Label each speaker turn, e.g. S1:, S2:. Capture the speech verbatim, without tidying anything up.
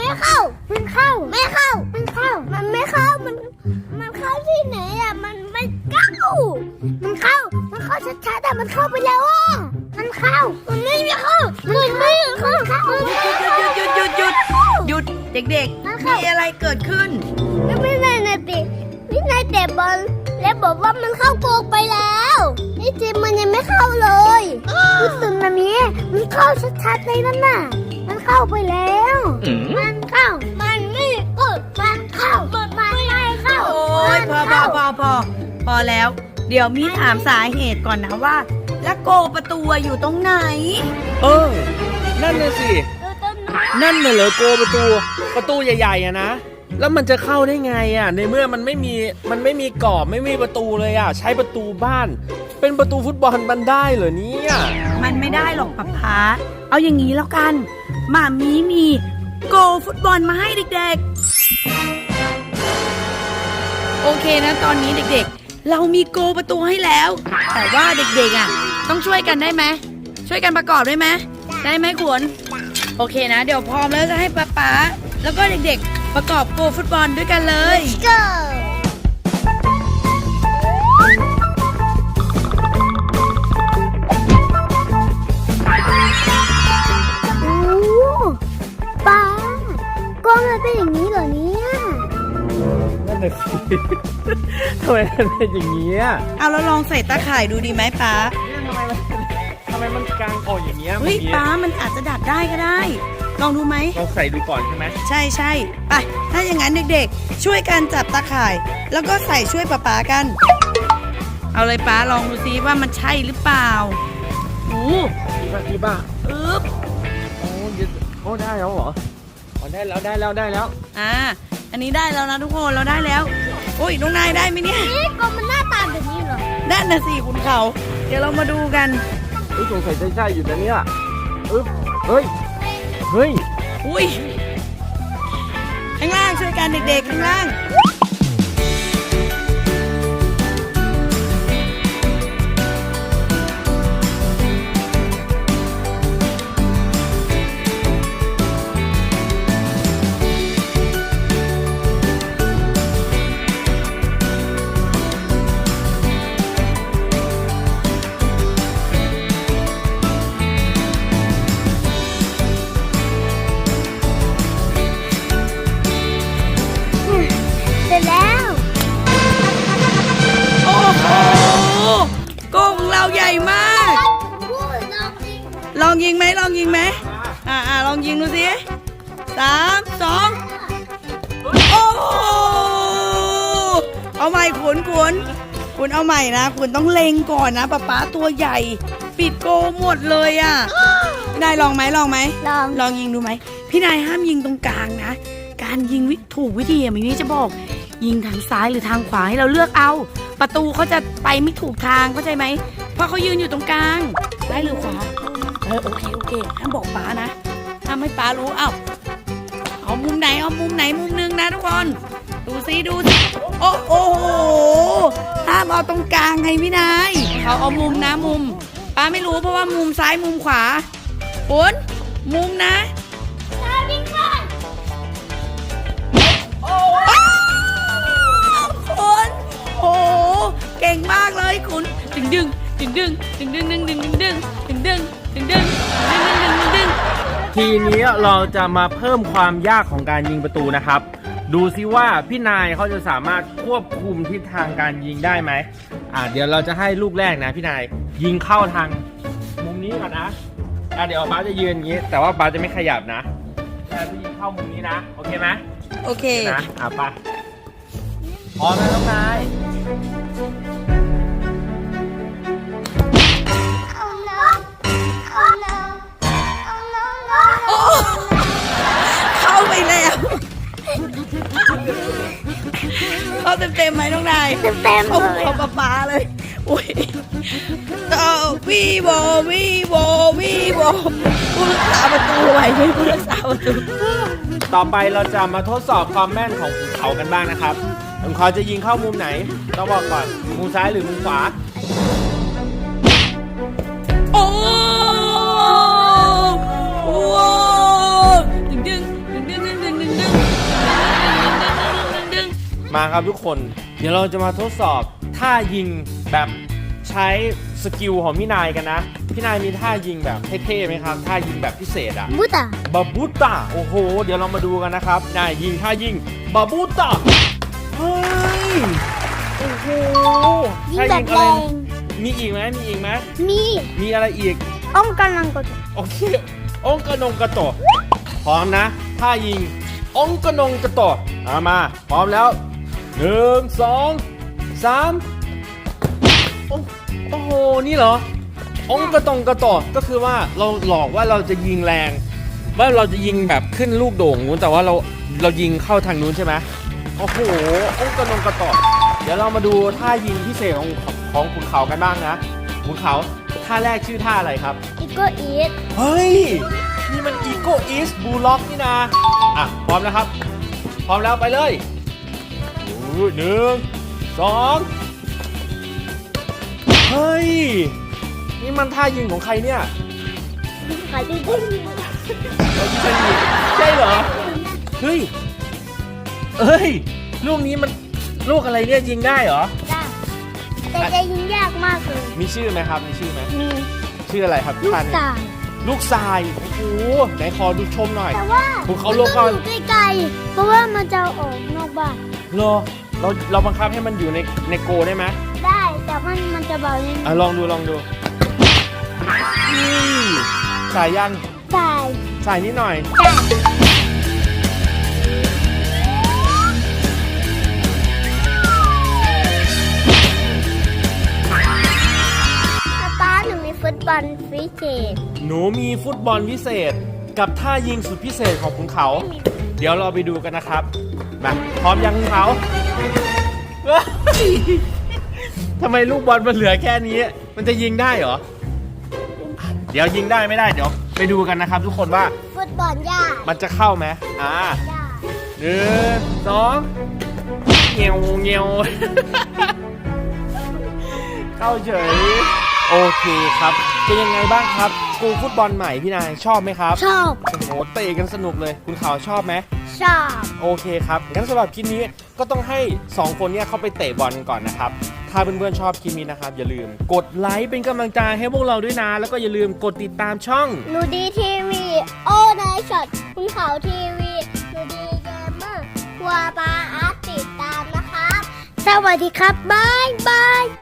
S1: ไม่เข้ามันเข้าไม่เข้ามันเข้ามันไม่เข้ามันมันเข้าที่ไหนอ่ะมันไม่เข้ามันเข้ามันเข้าชัดๆแต่มันเข้าไปแล้วอ่ะมันเข้ามันไม่เข้ามันไม่เข้า
S2: หยุดหยุดหยุดหยุดหยุดเด็กๆมีอะไรเกิดขึ้น
S1: แล้วพี่นายนะติพี่นายเตะบอลแล้วบอกว่ามันเข้าโกไปแล้วนี่จริงมันยังไม่เข้าเลยรู้สึกนะมีมันเข้าชัดๆเลยนั่นน่ะมันเข้าไปแล้วมันเข้ามันไม่เออมันเข้ามันไม่เข้า
S2: โอ้ยพอพอพอพอพอแล้วเดี๋ยวมีถามสาเหตุก่อนนะว่าแล้วโกประตูอยู่ตรงไหน
S3: เออนั่นน่ะสินั่นน่ะเหรอโกประตูประตูใหญ่ๆอะนะแล้วมันจะเข้าได้ไงอ่ะในเมื่อมันไม่มีมันไม่มีกรอบไม่มีประตูเลยอ่ะใช้ประตูบ้านเป็นประตูฟุตบอลมันได้เหรอเนี่ย
S2: มันไม่ได้หรอกป๊าป๊าเอาอย่างนี้แล้วกันหม่ามีมีโกฟุตบอลมาให้เด็กๆโอเคนะตอนนี้เด็กๆเรามีโกประตูให้แล้วแต่ว่าเด็กๆอ่ะต้องช่วยกันได้ไหมช่วยกันประกอบได้ไหมได้ไหมขวนโอเคนะเดี๋ยวพร้อมแล้วจะให้ป๊าป๊าแล้วก็เด็กๆประกอบโกฟุตบอลด้วยกันเลย
S1: Let's go โอ้ป้าก็มันเป็นอย่างนี้เหรอเนี่ย
S3: นั่นแหละสิทำไมมันเป็นอย่างนี้อ่ะ
S2: เอาแล้วลองใส่ตาข่ายดูดีไหมป๊า
S3: ทำไมมันทำไมมันกางออกอย่างเงี้ย
S2: เฮ้ยป๊ามันอาจจะดัดได้ก็ได้ลองดูไหม
S3: ลองใส่ดูก่อนใช่ไหม
S2: ใช่ใช่ไปถ้าอย่างนั้นเด็กๆช่วยกันจับตาข่ายแล้วก็ใส่ช่วยป๊าป๊ากันเอาเลยป๊าลองดูซิว่ามันใช่หรือเปล่าโอ้
S3: ดีป่ะดีป่ะ
S2: อึ๊บ
S3: โอ้ยโอ้ได้แล้วเหรออ๋อได้แล้วได้แล้วได้แล้ว
S2: อ่าอันนี้ได้แล้วนะทุกคนเราได้แล้วโอ้ยน้องนายได้ไหมเนี่ย
S1: นี่ก็มันหน้าตาแบบนี้เหรอ
S2: ด้านน่ะสิคุณเขาเดี๋ยวเรามาดูกัน
S3: เฮ้ยสงสัยใช่ใช่อยู่นะเนี่ยอึ๊บเฮ้ยเฮ้ย
S2: อุ้ยข้างล่างช่วยกันเด็กๆข้างล่างใหญ่มากลองยิงไหมลองยิงไหมอ่าอ่าลองยิงดูสิสามสองโอ้เอาใหม่ขุนขุนขุนเอาใหม่นะขุนต้องเล็งก่อนนะป๊าป๊าตัวใหญ่ปิดโกหมดเลยอ่ะพี่นายลองไหมลองไหม
S1: ลอง
S2: ลองยิงดูไหมพี่นายห้ามยิงตรงกลางนะการยิงถูกวิธีอ่ะมินี่จะบอกยิงทางซ้ายหรือทางขวาให้เราเลือกเอาประตูเขาจะไปไม่ถูกทางเข้าใจไหมเพราะเขายืนอยู่ตรงกลางซ้ายหรือขวาเออโอเคโอเคห้ามบอกป้านะห้ามให้ป้ารู้เอ้าเอามุมไหนเอามุมไหนมุมนึงนะทุกคนดูซิดูซิโอ้โหห้ามเอาตรงกลางให้พี่นายเขาเอามุมนะมุมป้าไม่รู้เพราะว่ามุมซ้ายมุมขวาฝนมุมนะโอ้เก่งมากเลยคุณดึงดึงดึงดึงดึงดึงดึงดึงดึงดึงดึงดึงดึงดึงดึงดึงดึงดึง
S3: ทีนี้เราจะมาเพิ่มความยากของการยิงประตูนะครับดูซิว่าพี่นายเขาจะสามารถควบคุมทิศทางการยิงได้ไหมอ่าเดี๋ยวเราจะให้ลูกแรกนะพี่นายยิงเข้าทางมุมนี้ก่อนนะอ่าเดี๋ยวป้าจะยืนอย่างนี้แต่ว่าป้าจะไม่ขยับนะแต่จะยิงเข้ามุมนี้นะโอเคไหม
S2: โอเค
S3: นะอ่าป้าพร้อมแล้วน้องนาย
S2: เข้าไปแล้วเข้าเต็มเต็มไหมน้องนาย
S1: เต็มเต็ม
S2: เลยเข้าปะปาเลยอุ้ยต่อวีโบวีโบวีโบผู้รักษาประตูไหวไหมผู้รักษาประตู
S3: ต่อไปเราจะมาทดสอบความแม่นของภูเขากันบ้างนะครับภูเขาจะยิงเข้ามุมไหนต้องบอกก่อนมุมซ้ายหรือมุมขวา
S2: โอ้โหดึงดึงดึงดึงดึงดึง
S3: มาครับทุกคน เดี๋ยวเราจะมาทดสอบท่ายิงแบบใช้สกิลของพี่นายกันนะ พี่นายมีท่ายิงแบบเท่ๆไหมครับ ท่ายิงแบบพิเศษอะ
S1: บุตา
S3: บาบูต้าโอ้โห เดี๋ยวเรามาดูกันนะครับนายยิงท่ายิงบาบูต้าเฮ้ยโอ้โห
S1: ยิง
S3: ท่า
S1: แบ
S3: ยิ
S1: บ
S3: ง
S1: แร
S3: อะไร
S1: ง
S3: มีอีกไหมมีอีกไหม
S1: มี
S3: มีอะไรอีก
S1: อ้องกำลังกด
S3: โอเคองกระนงกระโตะพร้อมนะท่ายิงองกระนงกระโตะเอามาพร้อมแล้วหนึ่งสองสามโอ้โอ้โหนี่เหรอองกระตงกระโตะก็คือว่าเราหลอกว่าเราจะยิงแรงว่าเราจะยิงแบบขึ้นลูกโด่งนู้นแต่ว่าเราเรายิงเข้าทางนู้นใช่ไหมโอ้โหองกระนงกระโตะเดี๋ยวเรามาดูท่ายิงพิเศษของของขุนเขากันบ้างนะขุนเขาท่าแรกชื่อท่าอะไรครับ
S1: อีโกอีท
S3: เฮ้ย นี่มัน Eco East Blue Lock นี่นะ อ่ะ พร้อมแล้วครับ พร้อมแล้วไปเลยอู้หนึ่งสองเฮ้ย นี่มันท่ายิงของใครเนี่ย
S1: ขายดีดิ้ง
S3: ใช่เหรอ เฮ้ย เอ้ย ลูกนี้มันลูกอะไรเนี่ยยิงได้เหรอ
S1: จ้าแต่จะยิงยากมากเลย
S3: มีชื่อไหมครับ มีชื่อไหม
S1: มี
S3: ชื่ออะไรครับ
S1: ลูก
S3: ท่าน
S1: ตาย
S3: ลูกทราย โอ้โหไหนขอดูชมหน่อย
S1: แต่ว่า
S3: ภูเขา
S1: มัน
S3: โลกก่
S1: ต้
S3: อ
S1: อน งอยู่ไกลๆเพราะว่ามันจะออกนอกบ้าน
S3: เหรอเราเราบังคับให้มันอยู่ในในโกได้ไหม
S1: ได้แต่มันมันจะเบานิด
S3: อ่ะลองดูลองดูนี่สายยัง
S1: ตาย
S3: สายนิดหน่อย
S1: จ้าป้าหนูมีฟุตบอลฟิเศษ
S3: หนูมีฟุตบอลพิเศษกับท่ายิงสุดพิเศษของคุณเขา เดี๋ยวเราไปดูกันนะครับมาพร้อมยังคุณเขาเฮ้ยทำไมลูกบอลมันเหลือแค่นี้ มันจะยิงได้เหรอ เดี๋ยวยิงได้ไม่ได้เดี๋ยวไปดูกันนะครับ ทุกคนว่า
S1: ฟุตบอลยาก
S3: มันจะเข้าไหมอ่าย
S1: าก
S3: หนึ่งสองเงียวเงียว เข้าเฉย โอเคครับ เป็นยังไงบ้างครับสกูลฟุตบอลใหม่พี่นายชอบไหมครับ
S1: ชอบ
S3: โอ้โหเตะกันสนุกเลย คุณข่าวชอบไหม
S1: ชอบ
S3: โอเคครับงั้นสำหรับคลิปนี้ก็ต้องให้สองคนเนี้เข้าไปเตะบอลก่อนนะครับ ถ้าเพื่อนๆชอบคลิปนี้นะครับ อย่าลืมกดไลค์เป็นกำลังใจให้พวกเราด้วยนะ แล้วก็อย่าลืมกดติดตามช่อง
S1: หนูดีทีวีโอ้นายช็อตคุณเขาทีวีหนูดีเกมเมอร์ครัวปลาอาร์ตติดตามนะครับ สวัสดีครับ บ๊ายบาย